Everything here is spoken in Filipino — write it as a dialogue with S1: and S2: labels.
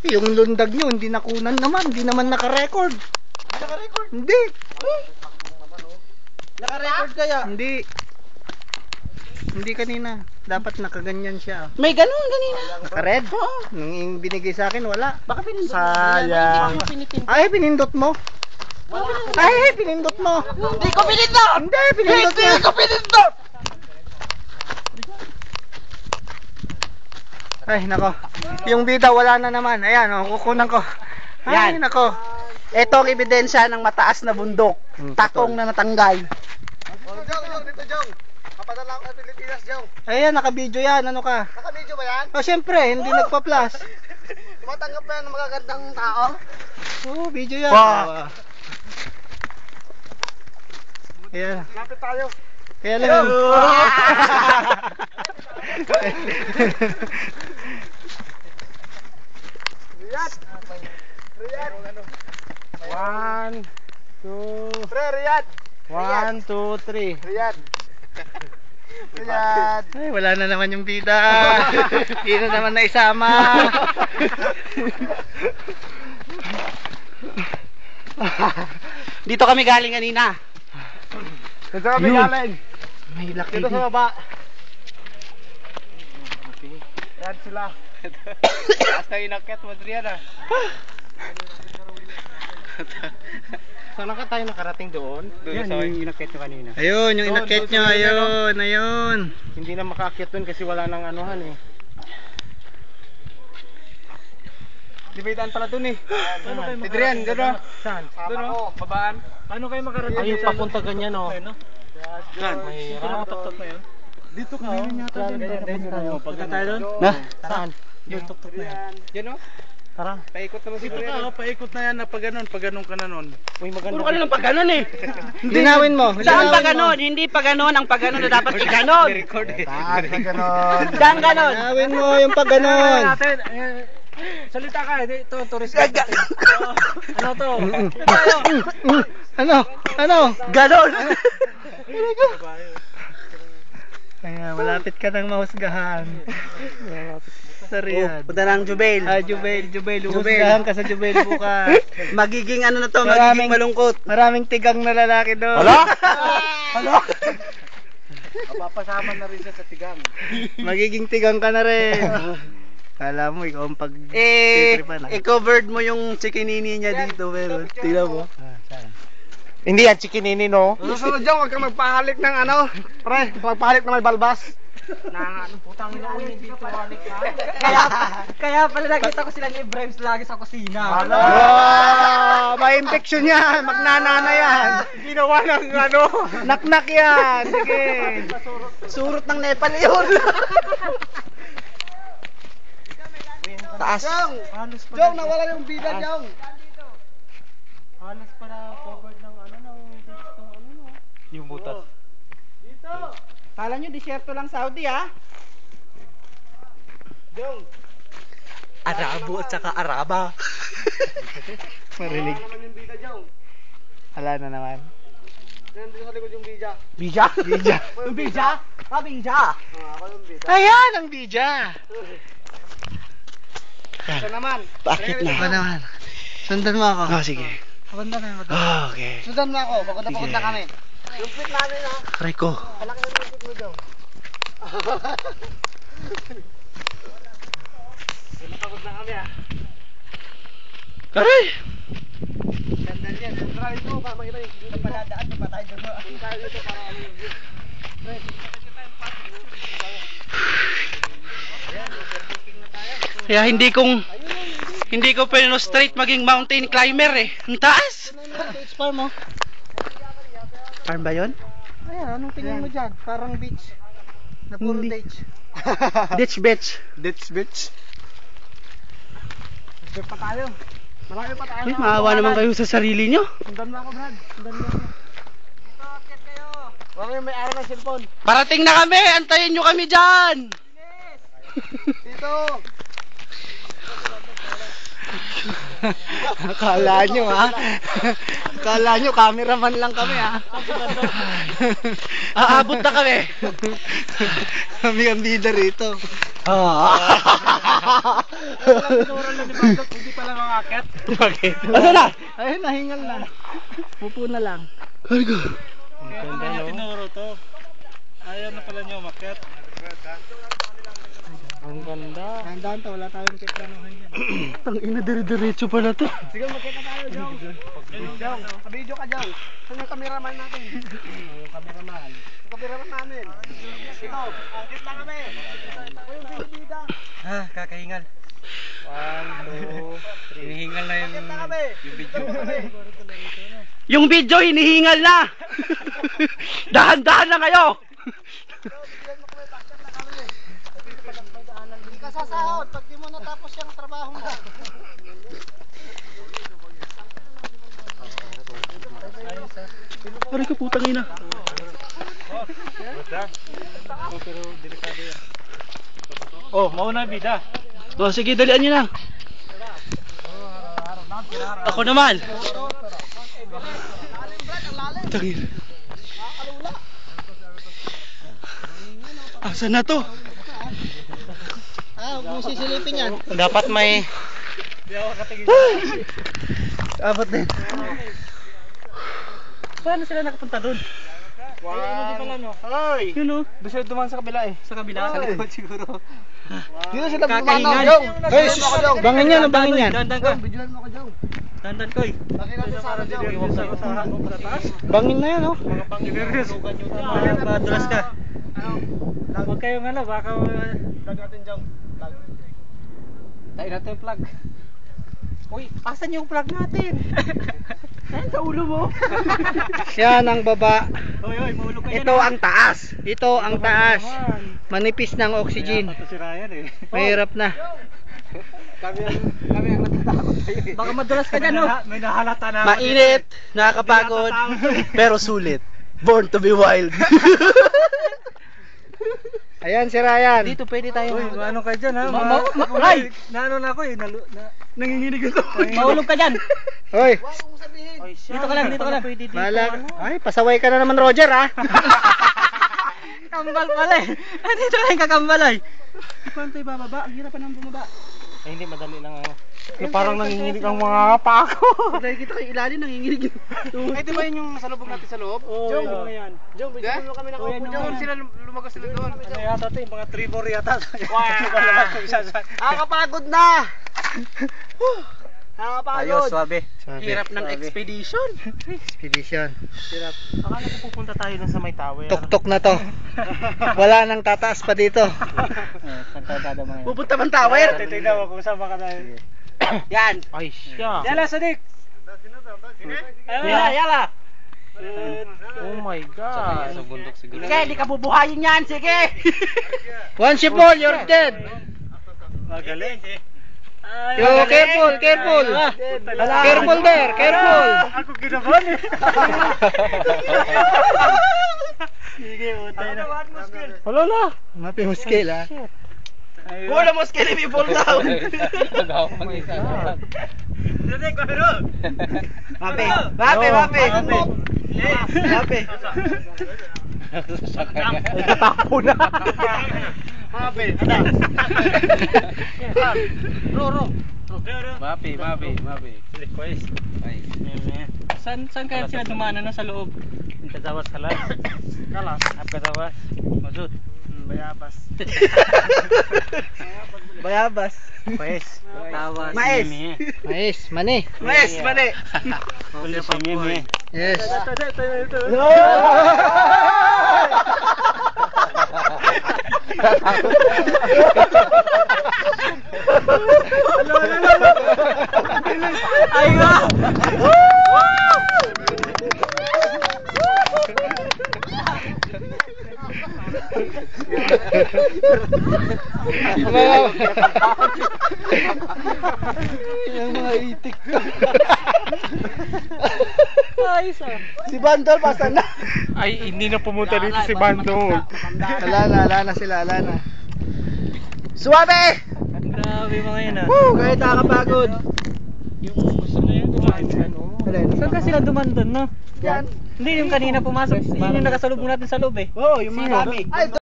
S1: Yung lundag nyo, hindi nakunan naman. Hindi naman naka-record.
S2: Naka-record?
S1: Hindi.
S2: Naka-record kaya?
S1: Hindi. Hindi kanina. Dapat nakaganyan siya.
S2: May ganun kanina.
S1: Naka-red?
S2: Oo.
S1: Nung binigay sa akin, wala.
S2: Baka pinindot mo.
S1: Sayang.
S2: Hindi ko
S1: Ay, pinindot mo. Ay, pinindot mo.
S2: Hindi ko pinindot!
S1: Hindi, pinindot mo.
S2: Hindi ko pinindot!
S1: Ay, nako. Yung bida wala na naman. Ayan, oh, kukunan ko. Ay,
S2: Yan.
S1: nako.
S2: Ito ang ebidensya ng mataas na bundok. Takong na natanggal.
S3: Dito, Jong. Papadala ko sa Pilipinas, Jong.
S1: Ayan, naka-video yan. Ano ka?
S3: Naka-video ba yan?
S1: Oh, syempre, hindi nagpa-plus.
S3: Tumatanggap na yan ng magagandang tao.
S1: Oh, video yan.
S2: Wow.
S1: Ayan.
S3: Lapit tayo.
S1: Kaya lang.
S3: Riyad. Riyad.
S1: 1, 2,
S3: Pre, Riyad.
S1: 1, 2, 3.
S3: Riyad. Riyad.
S1: Ay, wala na naman yung bida. Hindi na naman naisama.
S2: Dito kami galing kanina.
S3: Dito kami
S1: Yun.
S3: galing.
S1: May laki
S3: Dito
S1: din.
S3: sa baba. Yan sila. Hasta inakyat mo Adrian ah. Saan ka tayo nakarating doon?
S2: Yan, yung
S3: inakyat nyo kanina.
S1: Ayun, yung
S3: Doon,
S1: inakyat
S3: doon
S1: nyo.
S3: sa may
S1: Ayun, ayun.
S3: Hindi na makaakyat doon kasi wala nang anuhan eh. Di ba itaan pala doon eh?
S2: Paano kayo
S3: Adrian,
S2: makarating
S3: doon
S2: doon?
S3: Saan?
S2: Doon,
S3: oh. Babaan.
S2: Paano kayo makarating?
S3: Ayun,
S2: dyan?
S3: papunta ganyan oh.
S2: Saan?
S3: May
S2: Dito nakatuktok na yun?
S3: Dito ka oh.
S2: Punta tayo doon?
S3: Na?
S2: Saan? Yung tuktok na yan.
S3: Yan oh.
S2: Tara.
S3: Paikot naman siguro yan.
S2: paikot na yan na pag ganun ka na nun.
S3: Uy, maganda.
S2: Puro ka na lang pag ganun eh.
S1: Linawin mo.
S2: Saan
S1: linawin
S2: pa
S1: mo.
S2: ganon? Hindi pa ganon. Ang pag ganon na dapat iganon.
S3: Record eh.
S1: ganon.
S2: Saan ganon?
S1: Linawin mo yung pag ganon.
S2: Salita ka. Ito, tourist Ano to?
S1: Ano? Ano?
S2: Ganon.
S1: Kaya malapit ka ng mahusgahan. Sa Riyadh.
S2: Punta ng Jubail.
S1: Ah, Jubail. Uhusgahan ka sa Jubail bukas.
S2: Magiging ano na to,
S1: Maraming-
S2: magiging malungkot.
S1: Maraming tigang na lalaki doon.
S2: Hala?
S3: Papasama na rin siya sa tigang.
S1: Magiging tigang ka na rin. Kala mo, ikaw ang pag-titripan.
S2: I-covered mo yung chikinini niya dito, pero tingnan mo.
S3: Hindi yan, chikinini no? Susunod dyan, huwag kang magpahalik ng ano. Pre, magpahalik na may balbas. Na ano, putang ina ko hindi dito halik na.
S2: Kaya pala nakita ko silang i-brimes lagi sa kusina.
S1: Wow! May infection yan. Magnanana yan.
S3: Ginawa ng ano.
S1: Naknak yan. Sige.
S2: Surot ng Nepal yun. Taas.
S3: Jong, nawala yung bida, Jong.
S2: Halos pala covered ng ano no.
S3: Yung butas.
S2: Kala nyo disyerto lang Saudi ha?
S3: Jong.
S2: Arabo at saka Araba.
S1: Marinig.
S3: Wala naman yung bida, Jong.
S1: Wala na naman.
S3: Nandito sa likod yung bida.
S2: Bija?
S1: Bija.
S2: Yung Bija? Ah, Bija.
S3: Ako yung bida.
S1: Ayan ang bija.
S3: Ito naman.
S2: Bakit na?
S1: Ba naman? Sundan mo ako.
S2: Ah, sige.
S1: Sundan mo ako.
S2: Okay.
S3: Sundan mo ako, pagod na kami. Lupit namin ha.
S2: Rico.
S3: Malaki yung lupit mo, Jong. Napagod na kami ha.
S2: Aray!
S3: Gandal yan. Tara ito, para makita yung view. Paladaan, pa tayo dito. Ating tayo dito para ano yung view.
S2: Kaya hindi ko pwede straight maging mountain climber eh. Ang taas!
S1: Beach farm mo.
S2: Farm ba yun?
S1: Ayan, anong tingin mo dyan? Parang beach. Na puro
S2: Hindi.
S1: beach.
S2: Ditch beach.
S3: Ditch bitch. Ditch pa tayo. Marami pa tayo.
S2: Ay, maawa naman kayo sa sarili nyo.
S3: Sundan mo ako, Brad. Sundan mo ako. Dito, akit kayo. Huwag yung may araw ng cellphone.
S2: Parating na kami! Antayin nyo kami dyan!
S3: Dito.
S1: Akala nyo ha? Akala nyo cameraman lang kami ha?
S2: Aabot na kami!
S1: Kami ang bida rito.
S3: Hindi pala makakit.
S2: Bakit? Asa na?
S1: Ayun, nahingal na. Upo na lang.
S2: Ay ko.
S3: Ang ganda no. Tinuro to. Ayaw na pala niyo umakyat. Ang ganda.
S1: Tandaan to, wala tayong kiplanuhan yan.
S2: Tang ina dire-diretso pa na to.
S1: Sige, magkita tayo, Jong. Jong, video ka, Jong. Saan yung cameraman natin? Yung cameraman. Yung cameraman namin. Ito, angkit lang kami. Ako yung binibida.
S3: Ah, kakahingal. 1, 2, 3. Hinihingal na
S1: Angkit lang kami.
S3: yung video.
S2: Yung video hinihingal na. Dahan-dahan lang kayo.
S1: Hindi ka sasahod pag di mo natapos yung trabaho mo.
S2: Aray ka putang ina.
S3: Pero delikado yan. Oh, mauna bida.
S2: Oh, sige, dalian nyo na. Ako naman. Tangin. Asa na to?
S1: Ah, huwag mo sisilipin yan.
S3: Dapat may
S1: Abot din.
S2: Paano sila nakapunta doon?
S3: Hoy!
S2: Yun o.
S3: Doon sila dumaan sa kabila eh.
S2: Sa kabila?
S3: Sa likod siguro.
S1: Dito sila
S2: Kakahingal.
S1: Jong. Hey, bangin yan, bangin yan.
S2: Dandan ka.
S1: Bidyoan mo ko, Jong.
S2: Dandan ko eh.
S1: Bangin natin sa akin, Jong.
S3: Sa taas.
S1: Bangin na yan, oh.
S3: Mga pangiliris. Madulas ka. Huwag kayong baka vlog natin Jong. Tayo natin yung plug. Uy, asan yung plug natin?
S2: Ayun sa ulo mo.
S1: Yan ang baba.
S3: Hoy, mahulog kayo.
S1: Ito ang taas. Ito ang taas. Manipis ng oxygen.
S3: Ito si Ryan eh.
S1: Mahirap na.
S3: Kami ang natatakot tayo eh.
S2: Baka madulas ka dyan, no?
S3: May nahalata na.
S2: Mainit, nakakapagod, pero sulit. Born to be wild.
S1: Ayan si Ryan.
S2: Dito pwede tayo.
S3: Uy, ano kayo dyan ha?
S2: Ay!
S3: Naano na ako eh. Nanginginig ito.
S2: Mahulog ka dyan.
S1: Hoy,
S2: Dito ka lang, dito ka lang. Pwede dito.
S1: bahala. Ay, pasaway ka na naman, Roger, ha?
S2: Kambal pala eh. Dito ka lang kakambal ay. Paano tayo bababa? Ang hirap pa nang bumaba.
S3: Ay, hindi, madali lang ako. Parang nanginginig ang mga pa ako.
S2: Pag nakikita kayo ilalim, nanginginig yung
S3: Ay, di ba yun yung salubog natin sa loob?
S2: Oo,
S3: Jong,
S2: yun.
S3: yan.
S1: Jong, bigyan mo kami ng
S2: Uyan
S1: upo,
S2: mo
S1: Jong.
S2: yan.
S3: Sila lumagos sila doon. Ano yata ito, yung mga tribor yata. Wow!
S1: Nakakapagod na! Nakakapagod.
S3: swabe.
S2: Hirap ng expedition.
S1: Expedition.
S3: Hirap. Akala ko pupunta tayo dun sa may tower.
S1: Tok-tok na to. Wala nang tataas pa dito.
S3: Pagkakada mga yan.
S2: Pupunta bang tower?
S3: Titignan mo kung saan ka tayo.
S2: Yan.
S3: Ay, siya.
S2: Yala, Sadik.
S3: Yala,
S2: yala.
S3: Oh my God. Sa bundok siguro.
S2: Sige, di ka bubuhayin yan. Sige.
S1: Once you fall, you're dead.
S3: Magaling.
S1: Yo, careful, careful. Careful there, careful.
S3: Ako kinabahan eh. Sige, utay na. Wala na.
S1: Mapi mo scale, ha?
S2: Wala mo skinny me fall down.
S3: Sadik, pero.
S2: Mape, mape, mape. Mape.
S3: Nagtatapo na. Mape, ada. Ro. Mape. Request. Ay.
S2: Saan kaya sila dumana na sa loob?
S3: Kazawas kalas. Kalas. Ap kazawas. Mazut. Bayabas.
S1: Bayabas.
S3: Pues. Tawas.
S2: Mais.
S1: Mais, mani.
S2: Mes, mali.
S3: Ulit si Mimi.
S1: Yes.
S2: Ay nga.
S1: Yung mga itik.
S2: Si Bandol, basta na.
S3: Ay, hindi na pumunta dito si Bandol.
S1: Wala na sila, wala na. Suwabe!
S3: Grabe mga yan ah.
S1: Woo! Kahit nakakapagod.
S3: Yung gusto na yan, dumaan yan.
S2: Saan ka sila duman doon, no?
S1: Yan.
S2: Hindi, yung kanina pumasok. Yun yung nakasalubong natin sa loob eh.
S1: Oo, yung mga dami. Ay,